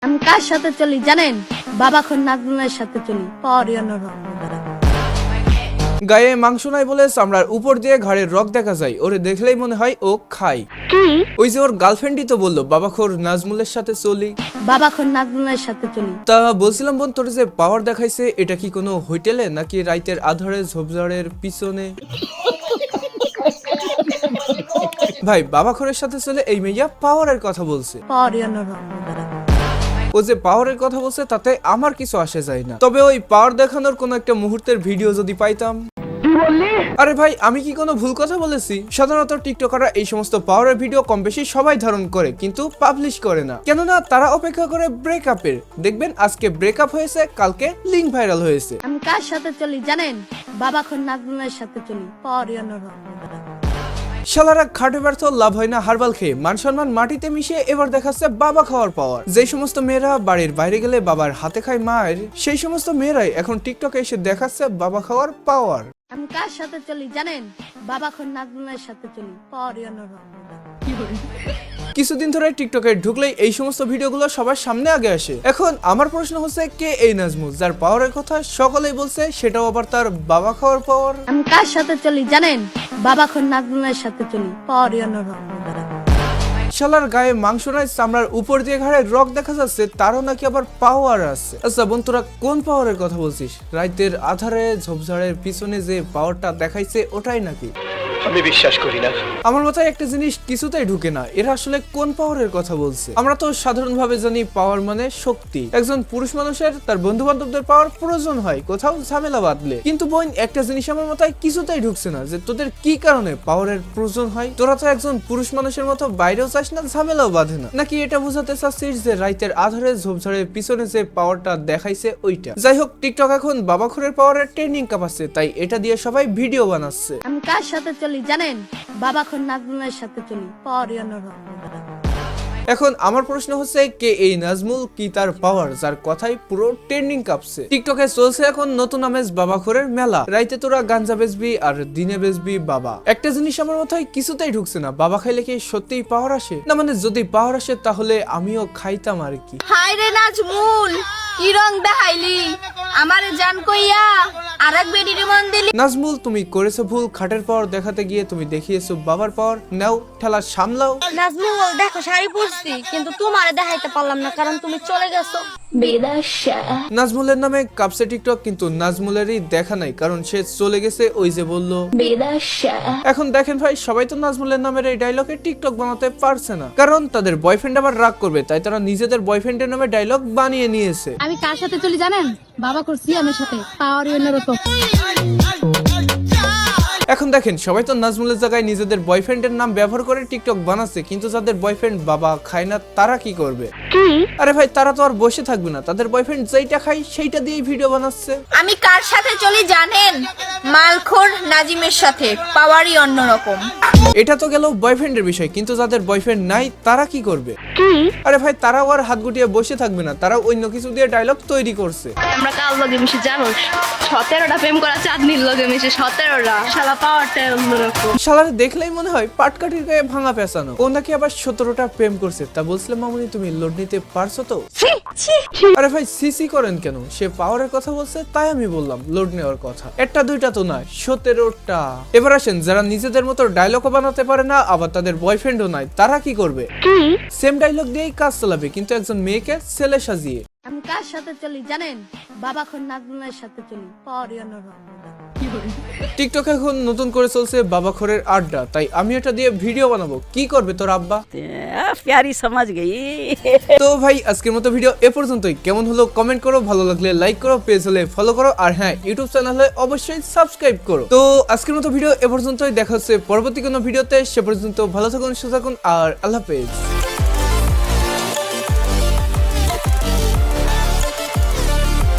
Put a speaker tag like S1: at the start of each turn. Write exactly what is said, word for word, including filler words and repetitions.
S1: আমি কার সাথে চলি জানেন? বাবাখন নাজমুলের সাথে চলি। পরে অন্যরকম।
S2: গায়ে মাংস নাই বলে চামড়ার উপর দিয়ে ঘাড়ের রক দেখা যায়, ওরে দেখলেই মনে হয় ও খায়। ওই যে ওর গার্লফ্রেন্ডই তো বললো বাবাখোর নাজমুলের সাথে চলি।
S1: বাবাখন নাজমুলের সাথে চলি।
S2: তা বলছিলাম বোন, তোর যে পাওয়ার দেখাইছে এটা কি কোনো হোটেলে নাকি রাইতের আধারে ঝোপঝাড়ের পিছনে? ভাই বাবাখোরের সাথে চলে এই মেয়েয়া পাওয়ারের কথা বলছে।
S1: পরে অন্যরকম।
S2: ও যে পাওয়ারের কথা বলছে তাতে আমার কিছু আসে যায় না, তবে ওই পাওয়ার দেখানোর কোন একটা মুহূর্তের ভিডিও যদি পাইতাম। আরে ভাই আমি কি কোনো ভুল কথা বলেছি? সাধারণত টিকটকাররা এই সমস্ত পাওয়ারের ভিডিও কম বেশি সবাই ধারণ করে কিন্তু পাবলিশ করে না, কেননা তারা অপেক্ষা করে ব্রেকআপের। দেখবেন আজকে ব্রেকআপ হয়েছে, কালকে লিঙ্ক ভাইরাল হয়েছে।
S1: আমি কার সাথে চলি জানেন? বাবাখন নাজমুলের সাথে চলি। পরে অন্যরকম।
S2: শালারা খাটে ব্যর্থ, লাভ হয় না হারবাল খেয়ে, মান সম্মান মাটিতে মিশিয়ে এবার দেখাচ্ছে বাবা খাওয়ার পাওয়ার। যে সমস্ত মেয়েরা বাড়ির বাইরে গেলে বাবার হাতে খায় মায়ের, সেই সমস্ত মেয়েরাই এখন টিকটকে এসে দেখাচ্ছে বাবা খাওয়ার পাওয়ার।
S1: আমি কার সাথে চলি জানেন? বাবাখন নাজমুলের সাথে চলি। পরে অন্যরকম।
S2: কিছুদিন ধরে টিকটকে ঢুকলেই এই সমস্ত ভিডিওগুলো সবার সামনে আগে আসে। এখন আমার প্রশ্ন হচ্ছে, কে এই নাজমুল যার পাওয়ারের কথা সকলেই বলছে, সেটাও আবার তার বাবা খাওয়ার পাওয়ার?
S1: আমি কার সাথে চলি জানেন? বাবাখন নাজমুলের সাথে চলি। পরে অন্যরকম।
S2: শালার গায়ে মাংস নাই, চামড়ার উপর দিয়ে ঘাড়ে রক দেখা যাচ্ছে, তারও নাকি আবার পাওয়ার আছে। আচ্ছা বোন, তোরা কোন পাওয়ারের কথা বলছিস? রাইতের আধারে ঝোপঝাড়ের পিছনে যে পাওয়ারটা দেখাইছে ওটাই নাকি?
S3: আমি বিশ্বাস করি না।
S2: আমার মাথায় একটা জিনিস কিছুতেই ঢুকে না, এরা আসলে কোন পাওয়ারের কথা বলছে? আমরা তো সাধারণ ভাবে জানি পাওয়ার মানে শক্তি। একজন পুরুষ মানুষের তার বন্ধু বান্ধবদের পাওয়ার প্রয়োজন হয় কোথাও ঝামেলা বাঁধলে, কিন্তু বোন একটা জিনিস আমার মাথায় কিছুতেই ঢুকছে না, যে তোদের কি কারণে পাওয়ারের প্রয়োজন হয়? তোরা তো একজন পুরুষ মানুষের মতো বাইরেও চাস না, ঝামেলাও বাঁধে না, নাকি এটা বোঝাতে চাচ্ছিস যে রাইতের আধারে ঝোপঝাড়ের পিছনে যে পাওয়ারটা দেখাইছে ওইটা? যাই হোক, টিকটক এখন বাবাখোরের পাওয়ারের ট্রেনিং কাপাচ্ছে, তাই এটা দিয়ে সবাই ভিডিও বানাচ্ছে।
S1: আমি কার সাথে চলি জানেন? বাবাখন নাজমুলের সাথে চলি। পরে অন্যরকম।
S2: এখন আমার প্রশ্ন হচ্ছে, কে এই নাজমুল, কি তার পাওয়ার যার কথাই পুরো ট্রেন্ডিং কাঁপছে? টিকটকে চলছে এখন নতুন আমেজ বাবাখোরের মেলা। রাইতে তোরা গাঞ্জা বেচবি আর দিনে বেচবি বাবা। একটা জিনিস আমার মাথায় কিছুতেই ঢুকছে না, বাবা খাইলে কি সত্যিই পাওয়ার আসে? না মানে যদি পাওয়ার আসে তাহলে আমিও খাইতাম আর কি।
S4: হাই রে নাজমুল, কি রং দেখাইলি আমারে জান কইয়া আরেক বেডিরে মন দিলি।
S2: নাজমুল তুমি করেছো ভুল, খাটের পাওয়ার দেখাতে গিয়ে তুমি দেখিয়েছো বাবার পাওয়ার। নাও ঠেলা সামলাও।
S4: নাজমুল দেখো শাড়ি পরছি কিন্তু তোমারে দেখাইতে পারলাম না কারণ তুমি চলে গেছো।
S2: নাজমুলের নামে কাপসে টিকটক, কিন্তু নাজমুলেরই দেখা নাই কারণ সে চলে গেছে। ওই যে বললো এখন দেখেন ভাই, সবাই তো নাজমুলের নামের এই ডায়লগে টিকটক বানাতে পারছে না, কারণ তাদের বয়ফ্রেন্ড আবার রাগ করবে, তাই তারা নিজেদের বয়ফ্রেন্ডের নামে ডায়লগ বানিয়ে নিয়েছে।
S1: আমি কার সাথে চলি জানেন? বাবাখন সিয়ামের সাথে। পাওয়ার অন্যরকম।
S2: এখন দেখেন সবাই তো নাজমুলের জায়গায় নিজেদের বয়ফ্রেন্ডের নাম ব্যবহার করে টিকটক বানাচ্ছে, কিন্তু যাদের বয়ফ্রেন্ড বাবা খায় না তারা কি করবে? আরে ভাই তারা তো আর বসে থাকবে না, তাদের বয়ফ্রেন্ড যেইটা খায় সেইটা দিয়েই ভিডিও বানাচ্ছে।
S4: আমি কার সাথে চলি জানেন? মালখোর নাজিমের সাথে। পাওয়ারই অন্যরকম।
S2: এটা তো গেল বয়ফ্রেন্ডের বিষয়, কিন্তু যাদের বয়ফ্রেন্ড নাই তারা কি করবে? আরে ভাই তারাও আর হাত গুটিয়ে বসে থাকবে না, তারা অন্য কিছু দিয়ে ডায়লগ তৈরি করছে।
S5: আমরা কাল লগে মিশে জানোস সতেরোটা প্রেম করা চাঁদনির লগে মিশে সতেরোটা শালা পাওয়ারটা অন্যরকম।
S2: শালারে দেখলেই মনে হয় পাটকাঠির গায়ে ভাঙা পেঁচানো। কোন নাকি আবার সতেরোটা প্রেম করছে, তা বলছিলাম মামুনি তুমি লোড নিতে পারছো তো? আরে ভাই সিসি করেন কেন? সে পাওয়ারের কথা বলছে তাই আমি বললাম লোড নেওয়ার কথা। একটা দুইটা তো নয়, সতেরোটা। এবার আসেন যারা নিজেদের মতো ডায়লগও বানাতে পারে না, আবার তাদের বয়ফ্রেন্ডও নাই, তারা কি করবে? সেম ডায়লগ দিয়েই কাজ চালাবে, কিন্তু একজন মেয়েকে ছেলে সাজিয়ে।
S1: আমি কার সাথে চলি জানেন? বাবাখন নাজমুলের সাথে চলি। পরে অন্যরকম।
S2: টিকটক এখন নতুন করে চলছে বাবাখোরের আড্ডা, তাই আমি এটা দিয়ে ভিডিও বানাবো। কি করবে তোর আব্বা?
S6: प्यारी समझ गई।
S2: তো ভাই আজকের মতো ভিডিও এ পর্যন্তই। কেমন হলো কমেন্ট করো, ভালো লাগলে লাইক করো, পেজ হলে ফলো করো, আর হ্যাঁ ইউটিউব চ্যানেল হলে অবশ্যই সাবস্ক্রাইব করো। তো আজকের মতো ভিডিও এ পর্যন্তই, দেখা হচ্ছে পরবর্তী কোনো ভিডিওতে। সে পর্যন্ত ভালো থাকুন, সুস্থ থাকুন, আর আল্লাহ হাফেজ।